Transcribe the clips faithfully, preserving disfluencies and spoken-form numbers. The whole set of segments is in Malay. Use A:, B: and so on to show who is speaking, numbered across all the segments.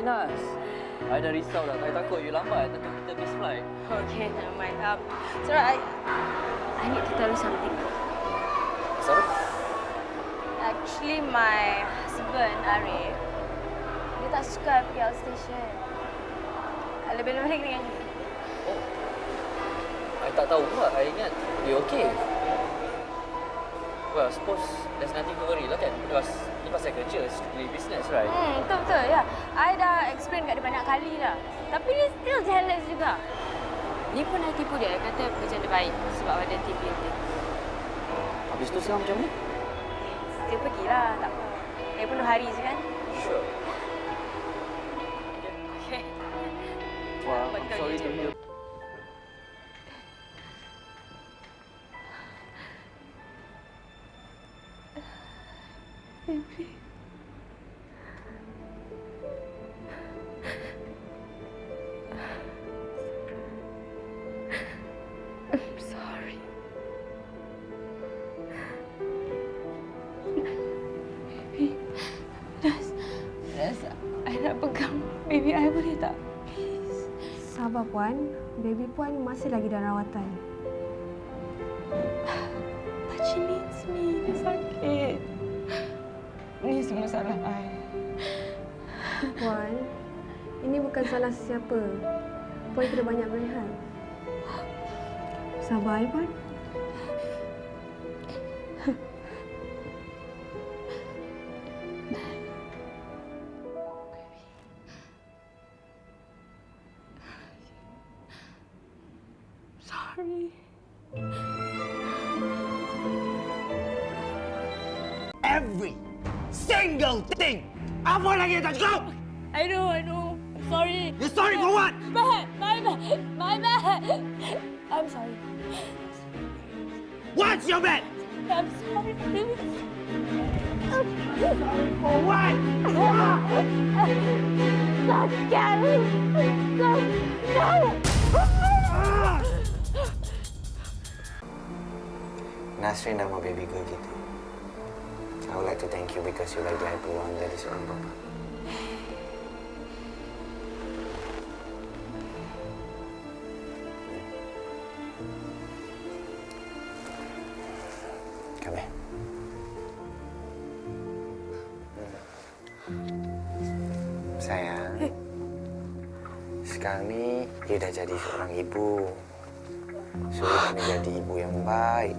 A: Inas. I dah risau dah. I takut you lambat. Takut kita miss flight.
B: Okay, never mind. Um, so I, I need to tell you something.
A: Sorry?
B: Actually, my husband, Arif, dia tak suka I pergi outstation. Lebih-lebih dengan you.
A: Oh. I tak tahu pula. I ingat you okay. Well, I suppose there's nothing to worry lah kan? Because ni pasal kerja, strictly business, right?
B: Hmm, betul-betul, ya. I dah explain kat dia banyak kali dah. Tapi dia still jealous juga. Ni pun I tipu dia. Dia kata kerja dia baik sebab ada T V dia.
A: Habis tu sekarang macam mana?
B: Dia pergilah, tak apa. Lagi pun dua hari je kan?
A: Sure.
B: Okay.
A: Wah, I'm sorry to hear.
B: Baby. I'm sorry. Baby, Nas, Nas, I nak pegang baby I boleh tak? Please.
C: Sabar Puan, baby Puan masih lagi dalam rawatan.
B: But she needs me. Dia sakit. Ini semua salah I.
C: Puan, ini bukan salah sesiapa. Puan kena banyak berehat. Sabar, ya, Puan.
B: Sorry.
D: Every single thing. Apa lagi yang tak cukup?
B: I know, I know. I'm sorry.
D: You're sorry for what?
B: Bad, my bad, my bad. I'm sorry.
D: What's your bad?
B: I'm sorry, please.
D: Sorry for what?
B: Sakit.
E: Nasrin nama baby girl kita. I would like to thank you because you like I peluang jadi seorang bapa. Kami. Sayang, sekarang ni you dah jadi seorang ibu. So, you kena jadi ibu yang baik.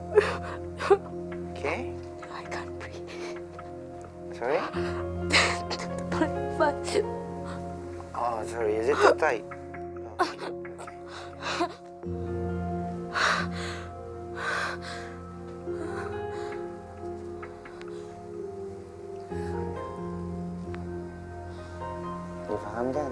E: Okay?
B: I can't breathe.
E: Sorry?
B: But, but...
E: Oh, sorry. Is it too tight? Oh, okay. You faham kan?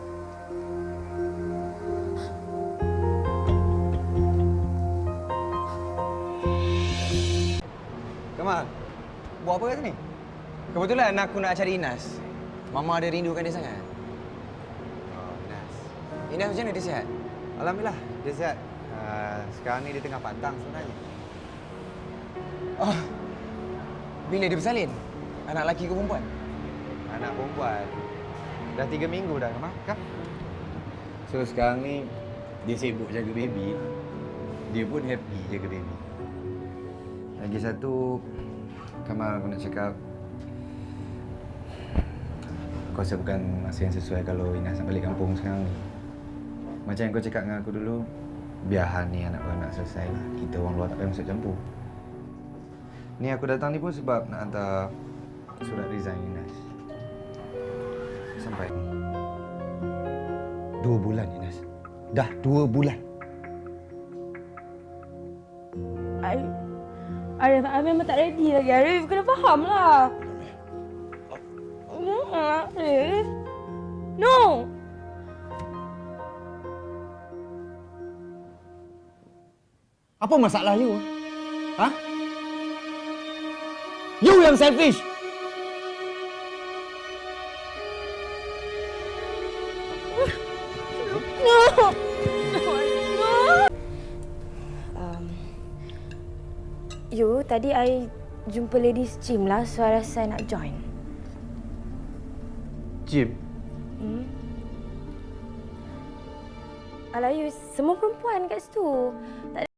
F: Kamal, buat apa kat sini? Kebetulan aku nak cari Inas. Mama ada rindukan dia sangat.
G: Oh, Inas.
F: Inas macam mana, dia sihat?
G: Alhamdulillah, dia sihat. Uh, sekarang ni dia tengah pantang sebenarnya.
F: Oh, bila dia bersalin? Anak lelaki ke perempuan?
G: Anak perempuan. Dah tiga minggu dah, Kamal. Kan? So, sekarang ni dia sibuk jaga baby. Dia pun happy jaga baby. Lagi satu, Kamal, aku nak cakap, aku rasa bukan masa yang sesuai kalau Inas nak balik kampung sekarang ni. Macam yang kau cakap dengan aku dulu, biar hal ni anak-anak selesai lah. Kita orang luar tak payah masuk campur. Ni aku datang ni pun sebab nak hantar surat resign Inas. Sampai ni. Dua bulan, Inas. Dah dua bulan.
B: I... Arif, I memang tak ready lagi. Arif, kena faham lah. Arif. No!
D: Apa masalah you? Ha? You yang selfish.
B: No! No! Um, you, tadi I jumpa ladies gym lah, so I rasa I nak join.
G: Jim,
B: Hmm. Alah, you semua perempuan kat situ. Tak